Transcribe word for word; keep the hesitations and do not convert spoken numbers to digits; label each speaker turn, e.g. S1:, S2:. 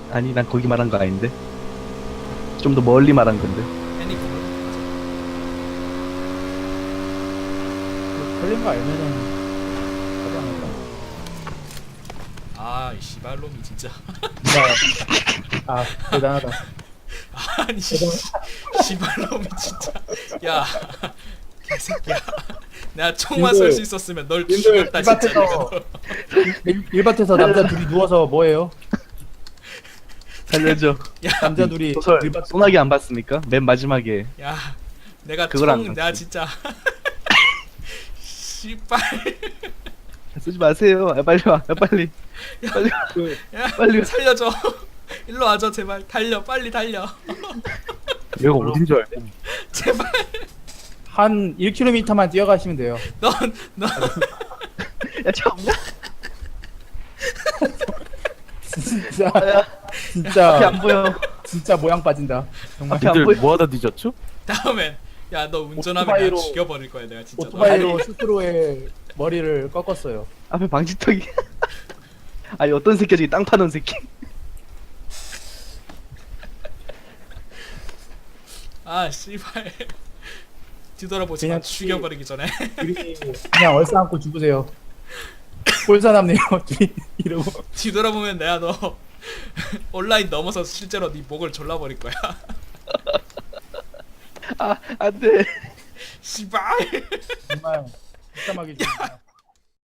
S1: 아니 난 거기 말한 거 아닌데. 좀 더 멀리 말한 건데.
S2: 애니 그거
S3: 걸린 거 알면은 하지 않을까?
S2: 아, 이 씨발놈이 진짜.
S3: 누가 아 대단하다.
S2: 아니 씨, 씨발놈이 진짜. 야, 개새끼야. 내가 총만 쏠 수 있었으면 널
S3: 님들,
S2: 죽였다 진짜.
S3: 이 밭에서-
S2: 내가.
S3: 일, 일밭에서 남자 둘이 누워서 뭐해요?
S1: 살려줘.
S2: 야,
S3: 남자 둘이
S1: 소설
S3: 일밭
S1: 소나기 안 봤습니까? 맨 마지막에
S2: 야, 내가
S1: 그걸 안
S2: 총 내가
S1: 봤지.
S2: 진짜. 씨발.
S1: 쓰지 마세요. 야, 빨리 와. 야, 빨리. 빨리 와.
S3: 그
S2: 야,
S1: 빨리 와.
S2: 살려줘. 일로 와줘 제발. 달려, 빨리 달려.
S1: 여기가 어딘 줄 알고.
S2: 제발.
S3: 한 일 킬로미터만 뛰어가시면 돼요.
S2: 넌, 넌.
S1: 야, 차 없냐?
S3: 진짜
S1: 야, 앞이
S3: 진짜
S1: 안 보여.
S3: 진짜 모양 빠진다. 정말
S1: 앞이 안
S4: 니들
S1: 보여.
S4: 뭐하다 뒤졌죠?
S2: 다음엔 야 너 운전하면 내가
S3: 오토바이로-
S2: 죽여버릴 거야 내가 진짜.
S3: 오토바이로 스스로의 머리를 꺾었어요.
S1: 앞에 방지턱이. 아니 어떤 새끼야 저기 땅 파는 새끼.
S2: 아 씨발. 뒤돌아보지 마.
S3: 그냥
S2: 죽여버리기 전에.
S3: 둘이 그냥 얼싸안고 죽으세요. 꼴사납네요. 둘이 이러고
S2: 뒤돌아보면 내가 너 온라인 넘어서 실제로 네 목을 졸라버릴 거야.
S1: 아 안돼.
S2: 씨발.
S3: 정말 불쌍하게 죽는다.